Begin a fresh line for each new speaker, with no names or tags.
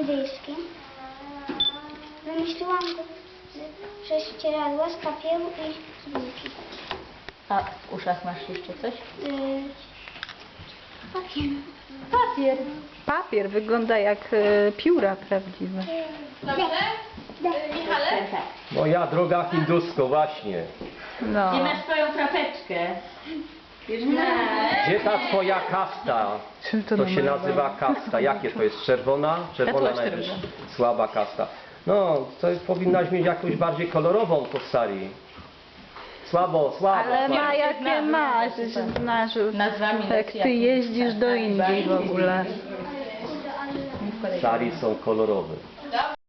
indyjskim. Wymyśliłam go ze ścieradła, z papieru i z bułki.
A w uszach masz jeszcze coś?
Papier.
Papier.
Papier wygląda jak pióra prawdziwe.
Dobrze? Michale?
Moja droga hindusko, właśnie.
No.
Gdzie masz swoją kropeczkę? Już
Gdzie ta twoja kasta?
Czym to
To się
namalowane?
nazywa kasta. Jakie to jest? Czerwona? Czerwona
Tatuaż
najwyższa.
czerwony.
Słaba kasta. No, to powinnaś mieć jakąś bardziej kolorową to Sari. Słabo.
Ale ma jakie
Znamy,
masz,
znamy.
że znasz już.
Nazwami
Jak
lekcji,
ty
jak
jeździsz do Indii w ogóle.
Sari są kolorowe.